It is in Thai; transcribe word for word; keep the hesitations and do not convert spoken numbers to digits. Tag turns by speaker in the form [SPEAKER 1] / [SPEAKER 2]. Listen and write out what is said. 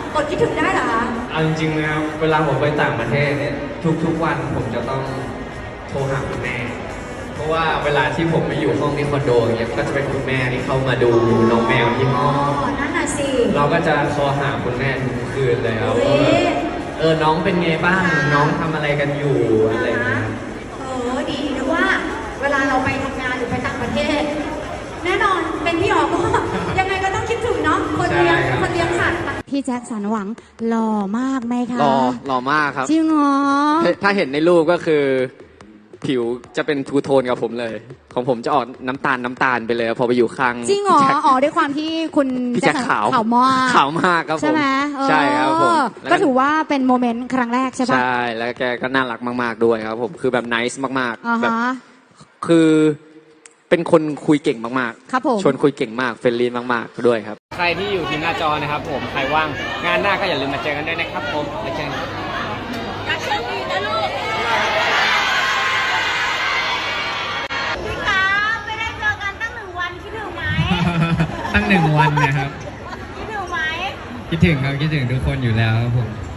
[SPEAKER 1] อดคิดถึงได้เหรอคะ
[SPEAKER 2] เอาจริงๆนะครับเวลาผมไปต่างประเทศเนี่ยทุกๆวันผมจะต้องโทรหาคุณแม่เพราะว่าเวลาที่ผมไปอยู่ห้องที่คอนโดอย่างเงี้ยก็จะเป็นคุณแม่ที่เข้ามาดูน้องแมวที่ห้อง
[SPEAKER 1] นั่นน่ะสิ
[SPEAKER 2] เราก็จะโทรหาคุณแม่ทุกคืนเลยครับว่าเออน้องเป็นไงบ้างน้องทำอะไรกันอยู่อะไรนะ
[SPEAKER 1] เออดีนะว่าเวลาเราไปทำงานหรือไปต่างประเทศแน่นอนเป็นพี่อ๋อก็ยังไงก็ต้องคิดถึงเนาะคนเลี้ยงคนเลี้ยงสัตว์พี่แจ็คสันหวังหล่อมากไหมคะ
[SPEAKER 3] หล่อหล่อมากครับ
[SPEAKER 1] จริงเหรอ
[SPEAKER 3] ถ้าเห็นในรูปก็คือผิวจะเป็นทูโทนกับผมเลยของผมจะออกน้ำตาลน้ำตาลไปเลยพอไปอยู่ข้าง
[SPEAKER 1] จริงเหรออ๋อด้วยความที่คุณ
[SPEAKER 3] พี่แจ็คขาว
[SPEAKER 1] ขาวมาก
[SPEAKER 3] ขาวมากครับผม
[SPEAKER 1] ใช่ไหม
[SPEAKER 3] ใช่ครับผม
[SPEAKER 1] ก็ถือว่าเป็นโมเมนต์ครั้งแรกใช่ปะ
[SPEAKER 3] ใช่แล้วแกก็น่ารักมากๆด้วยครับผมคือแบบไนซ์มาก
[SPEAKER 1] ๆแบบ
[SPEAKER 3] คือเป็นคนคุยเก่งมาก
[SPEAKER 1] ๆครับผม
[SPEAKER 3] ชวนคุยเก่งมากเฟรนลี่มากๆด้วยครับใครที่อยู่ที่หน้าจอนะครับผมใครว่างงานหน้าก็อย่าลืมมาเจอกันด้วยนะครับผมไปเจอกัน
[SPEAKER 1] รักโชคดีนะลูกพี่คะไม่ได้เจอกันตั้งหนึ่งวันคิดถึงไหม
[SPEAKER 4] ตั้งหนึ่งวันนะครับ
[SPEAKER 1] คิดถึงไหม
[SPEAKER 4] คิดถึงครับคิดถึงทุกคนอยู่แล้วครับผม